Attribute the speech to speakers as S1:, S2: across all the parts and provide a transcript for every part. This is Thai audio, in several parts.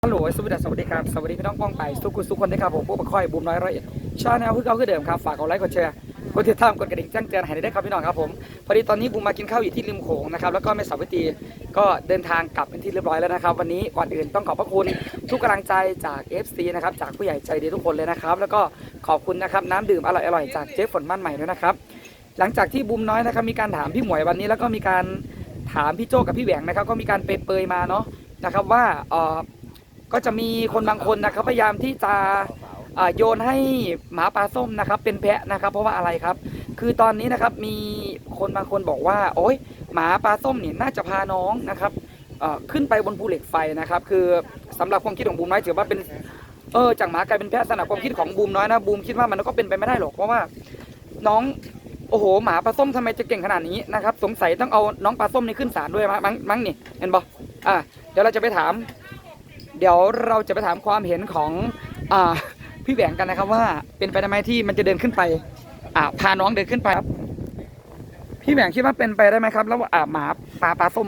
S1: ฮัลโหลสวัสดีครับสวัสดีพี่น้องป้องไปสุขคนนะครับผมพวกบักค่อยบูมน้อยร้อยชาแนลคือเก่าคือเดิมครับฝากกดไลค์กดแชร์กดติดตามกดกระดิ่งแจ้งเตือนให้ได้ครับพี่น้องครับผมพอดีตอนนี้บูมมากินข้าวอยู่ที่ริมโขงนะครับแล้วก็แม่สาวิตรีก็เดินทางกลับเป็นที่เรียบร้อยแล้วนะครับวันนี้ก่อนอื่นต้องขอบพระคุณทุกกำลังใจจาก FC นะครับจากผู้ใหญ่ใจดีทุกคนเลยนะครับแล้วก็ขอบคุณนะครับน้ำดื่มอร่อยจากเจ๊ฝนบ้านใหม่ด้วยนะครับหลังจากที่บูมน้อยนะครับมีการถามพี่หมวยวันนี้แล้วก็มีการถามพี่โจกับพี่แหวงนะครับก็มีการเปรยๆมาเนาะนะครับว่าก็จะมีคนบางคนนะครับพยายามที่จะโยนให้หมาปลาส้มนะครับเป็นแพะนะครับเพราะว่าอะไรครับคือตอนนี้นะครับมีคนบางคนบอกว่าโอ๊ยหมาปลาส้มเนี่ยน่าจะพาน้องนะครับขึ้นไปบนภูเหล็กไฟนะครับคือสำหรับความคิดของบูมน้อยถือว่าเป็นจากหมากลายเป็นแพะสำหรับความคิดของบูมน้อยนะบูมคิดว่ามันก็เป็นไปไม่ได้หรอกเพราะว่าน้องโอ้โหหมาปลาส้มทำไมจะเก่งขนาดนี้นะครับสงสัยต้องเอาน้องปลาส้มนี่ขึ้นศาลด้วยมั้งนี่เห็นบ่เดี๋ยวเราจะไปถามความเห็นของพี่แหวงกันนะครับว่าเป็นไปได้ไหมที่มันจะเดินขึ้นไปพาน้องเดินขึ้นไปครับพี่แหวงคิดว่าเป็นไปได้ไหมครับแล้วหมาปลาส้ม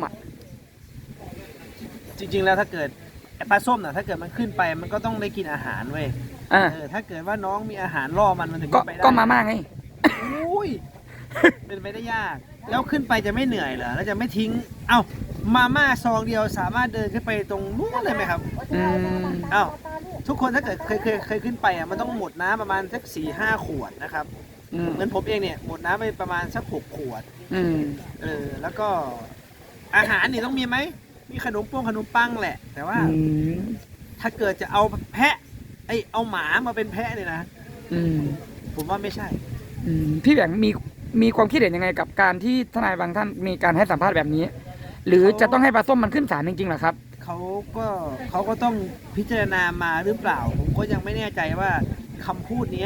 S2: จริงๆแล้วถ้าเกิดปลาส้มถ้าเกิดมันขึ้นไปมันก็ต้องได้กินอาหารเว้ยถ้าเกิดว่าน้องมีอาหารล่อมันถึงขึ้นไปได้
S1: ก็มาม่าไง
S2: อุ้ยเป็นไปได้ยากแล้วขึ้นไปจะไม่เหนื่อยเหรอแล้วจะไม่ทิ้งมาม่าซองเดียวสามารถเดินขึ้นไปตรงนู้นเลยไหมครับทุกคนถ้าเกิดเคยขึ้นไปมันต้องหมดน้ำประมาณสัก4-5 ขวดนะครับเหมือนผมเองเนี่ยหมดน้ำไปประมาณสัก6 ขวดแล้วก็อาหารนี่ต้องมีไหมมีขนมปังแหละแต่ว่าถ้าเกิดจะเอาแพะเอาหมามาเป็นแพะเนี่ยนะผมว่าไม่ใช่
S1: พี่แหวงมีความคิดเห็นยังไงกับการที่ทนายบางท่านมีการให้สัมภาษณ์แบบนี้หรือจะต้องให้ปลาส้มมันขึ้นศาลจริงๆเหรอครับ
S2: เขาก็ต้องพิจารณามาหรือเปล่าผมก็ยังไม่แน่ใจว่าคำพูดนี้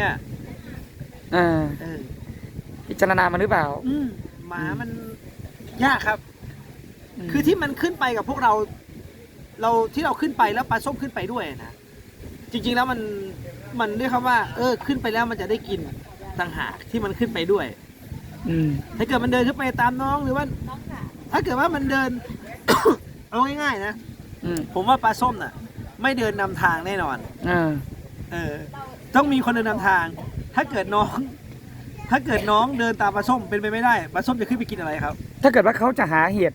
S1: พิจารณามาหรือเปล่า
S2: หมามันยากครับคือที่มันขึ้นไปกับพวกเราที่เราขึ้นไปแล้วปลาส้มขึ้นไปด้วยนะจริงๆแล้วมันเรียกคำว่าขึ้นไปแล้วมันจะได้กินต่างหากที่มันขึ้นไปด้วยถ้าเกิดมันเดินขึ้นไปตามน้องหรือว่าถ้าเกิดว่ามันเดิน เอาง่ายๆนะผมว่าปลาส้มน่ะไม่เดินนำทางแน่นอนต้องมีคนเดินนำทางถ้าเกิดน้องเดินตามปลาส้มเป็นไปไม่ได้ปลาส้มจะขึ้นไปกินอะไรครับ
S1: ถ้าเกิดว่าเขาจะหาเห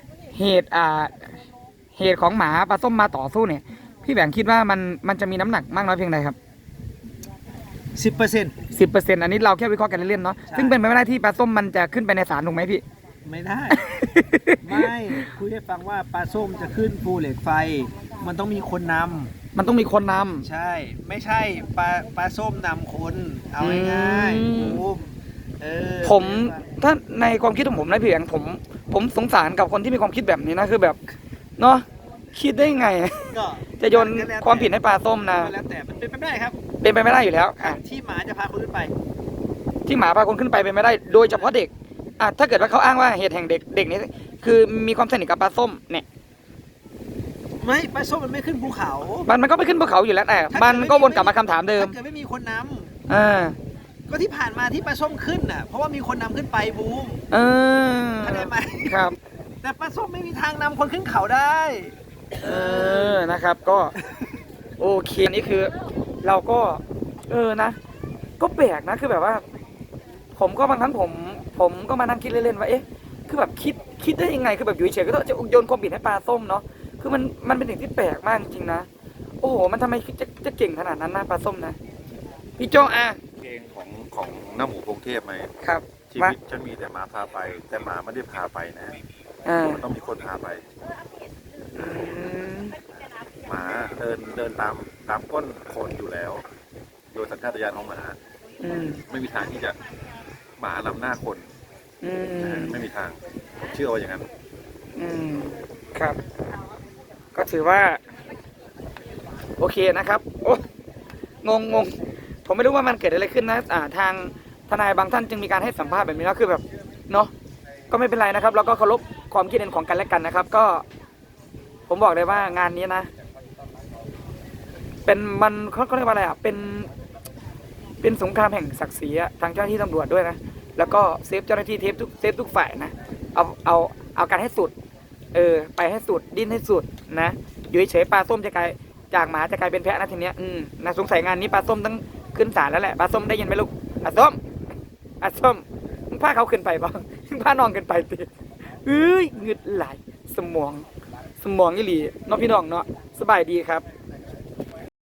S1: ตุของหมาปลาส้มมาต่อสู้เนี่ยพี่แหวงคิดว่ามันจะมีน้ำหนักมากน้อยเพียงใดครับ
S2: 10%
S1: อันนี้เราแค่วิเคราะห์กันเล่นๆเนาะซึ่งเป็นไปไม่ได้ที่ปลาส้มมันจะขึ้นไปในศาลถูกไหมพี่
S2: ไม่ได้ ไม่คุยให้ฟังว่าปลาส้มจะขึ้นภูเหล็กไฟมันต้องมีคนนำใช่ไม่ใช่ปลาส้มนำคนเอาง่าย
S1: ๆผมถ้าในความคิดของผมนะพี่แหวงผมสงสารกับคนที่มีความคิดแบบนี้นะคือแบบเนาะคิดได้ไงจะโยนความผิดให้ปลาส้มนะ
S2: แล้วแต่มันเป็นไปไม่ได้ครับ
S1: เป็นไปไม่ได้อยู่แล้ว
S2: ที่หมาจะพาคนขึ้นไป
S1: ที่หมาพาคนขึ้นไปเป็นไม่ได้โดยเฉพาะเด็กถ้าเกิดว่าเขาอ้างว่าเหตุแห่งเด็กนี้คือมีความสนิทกับปลาส้มเนี่ย
S2: ไม่ปลาส้มมันไม่ขึ้นภูเขา
S1: มันก็ไปขึ้นภูเขาอยู่แล้วแต่มันก็วนกลับมาคำถามเดิม
S2: ถ้าเกิดไม่มีคนนำก็ที่ผ่านมาที่ปลาส้มขึ้นเพราะว่ามีคนนำขึ้นไปบูมเข้าใจไหม
S1: ครับ
S2: แต่ปลาส้มไม่มีทางนำคนขึ้นเขาได้
S1: นะครับก็โอเคนี่คือเราก็นะก็แปลกนะคือแบบว่าผมก็บางครั้งผมก็มานั่งคิดเล่นๆว่าคือแบบคิดได้ยังไงคือแบบอยู่เฉยๆก็จะโยนความผิดให้ปลาส้มเนาะคือมันเป็นสิ่งที่แปลกมากจริงๆนะโอ้โหมันทำไมจะเก่งขนาดนั้นนะปลาส้มนะพี่โจ
S3: เพลงของหน้าหมูพงเทพไหม
S1: ครับ
S3: ชีวิตฉันมีแต่หมาพาไปแต่หมาไม่ได้พาไปนะมันต้องมีคนพาไปหมาเดินตามก้นคนอยู่แล้วโดยสัญชาตญาณของหมาไม่มีทางที่จะหมานำหน้าคนไม่มีทางผมเชื่อว่าอย่างนั้น
S1: ครับก็ถือว่าโอเคนะครับโอ้งงผมไม่รู้ว่ามันเกิดอะไรขึ้นนะทางทนายบางท่านจึงมีการให้สัมภาษณ์แบบนี้แล้วคือแบบเนาะก็ไม่เป็นไรนะครับเราก็เคารพความคิดเห็นของกันและกันนะครับก็ผมบอกเลยว่างานนี้นะเป็นมันเขาเรียกว่าอะไรเป็นสงครามแห่งศักดิ์ศรีทางเจ้าหน้าที่ตำรวจด้วยนะแล้วก็เซฟเจ้าหน้าที่เซฟทุกฝ่ายนะเอาการให้สุดไปให้สุดดิ้นให้สุดนะอยู่เฉยปลาส้มจะกลายจากหมาจะกลายเป็นแพะนะทีเนี้ยน่าสงสัยงานนี้ปลาส้มต้องขึ้นศาลแล้วแหละปลาส้มได้ยินไหมลูกปลาส้มปลาส้มมึงพาเขาขึ้นไปบ้างมึงพาน้องขึ้นไปติเอ้ยเงืดไหลสมองอีหลีเนาะพี่น้องเนาะสบายดีครับ